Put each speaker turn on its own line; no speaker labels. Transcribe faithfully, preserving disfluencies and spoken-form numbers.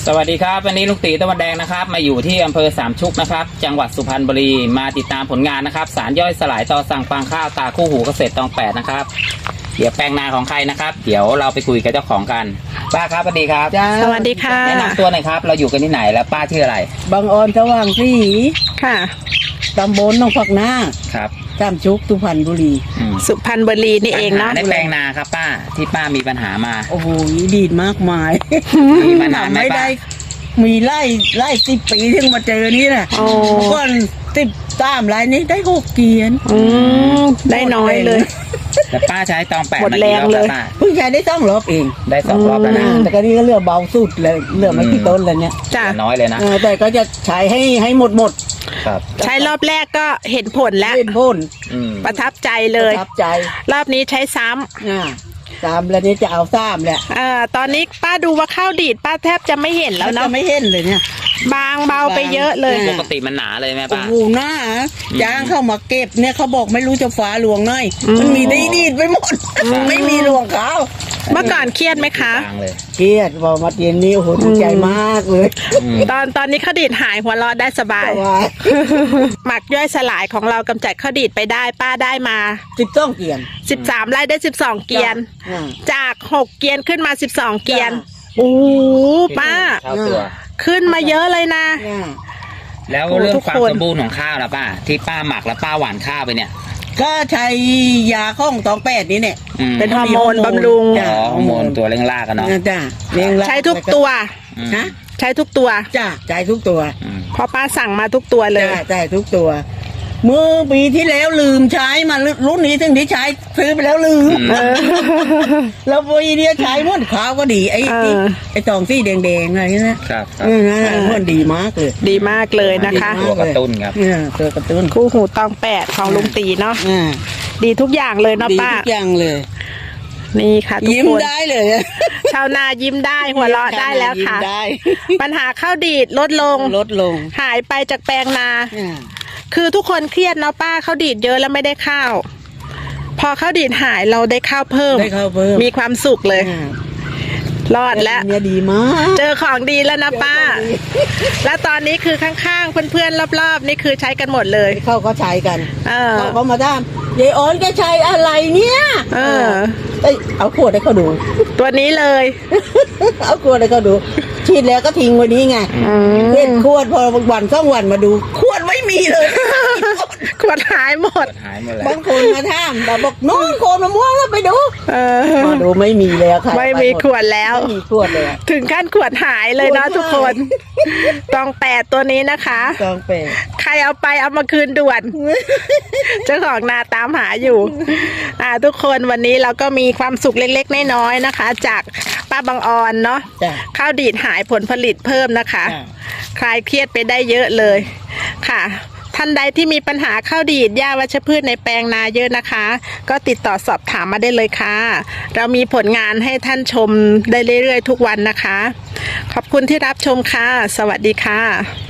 สวัสดีครับวันนี้ลุงตีตะวันแดงนะครับมาอยู่ที่อำเภอสามชุกนะครับจังหวัดสุพรรณบุรีมาติดตามผลงานนะครับสารย่อยสลายต่อสั่งฟางข้าวตาคู่หูเกษตรตองแปดนะครับเดี๋ยวแปลงนาของใครนะครับเดี๋ยวเราไปคุยกับเจ้าของกันป้าครับสวัสดีครับ
สวัสดีค่ะ
แนะนำตัวหน่อยครับเราอยู่กันที่ไหนและป้าชื่ออะไร
บางออนสว่างสี
ค่ะ
ตำบลหนองผักนา
ครับ
สามชุกสุพรรณบุรี
สุพรรณบุรีนี่เองเนาะ
ในแปลงนาครับป้าที่ป้ามีปัญหามา
โอ้โหดีดมากมาย
มีมานานไหมป้า
มีไล่ไล่สิบปีถึงมาเจอนี่แหละก่อนสิบสามไร่นี้ได้หกเกียน
อืมได้น้อยเลย
แต่ป้าใช้ตองแปด
หมดแรงเลย
เพิ่งใช้ได้สองรอบเอง
ได้สองรอบแล้วนะ
แต่ก็นี่ก็เลือกเบาสุดเลยเลือกไม่กี่ต้นเลยเนี่ย
จ้าน้อยเลยนะ
แต่ก็จะใช้ให้ให้หมดหมด
ใช้รอบแรกก็เห็นผลแล้ว
เห็นผล
ประทับใจเลย
ประทับใจ
รอบนี้ใช้ซ้ำ
อ่าสามแล้วนี้จะเอาซ้ำแหละ
อ่าตอนนี้ป้าดูว่าข้าวดีดป้าแทบจะไม่เห็นแล้วเนาะ
จะไม่เห็นเลยเนี่ย
บางเบาไปเยอะเลย
ปกติมันหนาเลยไหมป้า
โอ้โหหน้าจ้างเข้ามาเก็บเนี่ยเขาบอกไม่รู้จะฟ้าหลวงหน่อยมันมีได้ดีดไปหมดไม่มีหลวงเขา
เมื่อก่อนเครียดไหมคะ
เครียดพอมาเย็นนี้โอ้โหดีใจมากเลย
ตอนตอนนี้ข้าวดีดหายหัวเราะได้สบายหมักย่อยสลายของเรากำจัดข้าวดีดไปได้ป้าได้มา
สิบสองเกียน
สิบสามไร่ได้สิบสองเกียนจากหกเกียนขึ้นมาสิบสองเกียนโอ้ป้าขึ้นมาเยอะเลยนะ
แล้วเรื่องความสมบูรณ์ของข้าวล่ะป้าที่ป้าหมักแล้วป้าหว่านข้าวไปเนี่ย
ก็ใช้ยาข้องตองแปดนี่เนี่ย
เป็นฮอร์โมนบำรุง
ฮอร์โมนตัวเร่งรากกันเนาะ
จ้ะเร่งราก
ใช้ทุกตัว
นะ
ใช้ทุกตัว
จ้ะใช้ทุกตัว
พอป้าสั่งมาทุกตัวเลย
ใช้ทุกตัวเมื่อปีที่แล้วลืมใช้มารุ่นนี้ถึงที่ใช้ซื้อไปแล้วลืมแล้วปีนี้ใช้ม้วนขาวก็ดีไอ้ไอ้ตองซี่แดงๆอะไรนี่นะครับม้วนดีมากเลย
ดีมากเลยนะคะ
ตัวกระตุ้นครับ
ตัวกระตุ้น
คู่หูตองแปดของลุงตีเนาะดีทุกอย่างเลยเนาะป้า
ทุกอย่างเลย
นี่ค่ะทุกคน
ยิ้มได้เลย
ชาวนายิ้มได้หัวเราะได้แล้วค่ะปัญหาข้าวดีดลดลง
ลดลง
หายไปจากแปลงนาคือทุกคนเครียดเนาะป้าข้าวดีดเยอะแล้วไม่ได้ข้าวพอข้าวดีดหายเราได้ข้าวเพิ่ม
ได้ข้าวเพิ่ม
มีความสุขเลยรอดแล้ว
เนี่ยดีมาก
เจอของดีแล้วนะป้าแล้วตอนนี้คือข้างๆเพื่อนๆรอบๆนี่คือใช้กันหมดเลย
เขาก็ใช้กัน
เขา
เขามาถามยายอ้อนแกใช้อะไรเนี่ย
เออ
เอาขวดให้เขาดู
ตัวนี้เลย
เอาขวดให้เขาดูฉีดแล้วก็ทิ้งไว้นี้ไงเล่นขวดพอวันสองวันมาดูขวดไม่มีเลย
ขวดหายหมด
บางคนมาถามแต่บอกน้องโคนมะม่วงแล้วไปดูมาดูไม่มีแล้วค่ะ
ไม่มีขวดแล้ว
ไม่มีขวดเลย
ถึงขั้นขวดหายเลยนะทุกคนตองแปดตัวนี้นะคะ
ตองแปด
ใครเอาไปเอามาคืนด่วนเจ้าของนาตามหาอยู่อ่าทุกคนวันนี้เราก็มีความสุขเล็กๆน้อยๆนะคะจากป้าบางออนเนาะข้าวดีดหายผลผลิตเพิ่มนะคะคลายเครียดไปได้เยอะเลยค่ะท่านใดที่มีปัญหาข้าวดีดหญ้าวัชพืชในแปลงนาเยอะนะคะก็ติดต่อสอบถามมาได้เลยค่ะเรามีผลงานให้ท่านชมได้เรื่อยๆทุกวันนะคะขอบคุณที่รับชมค่ะสวัสดีค่ะ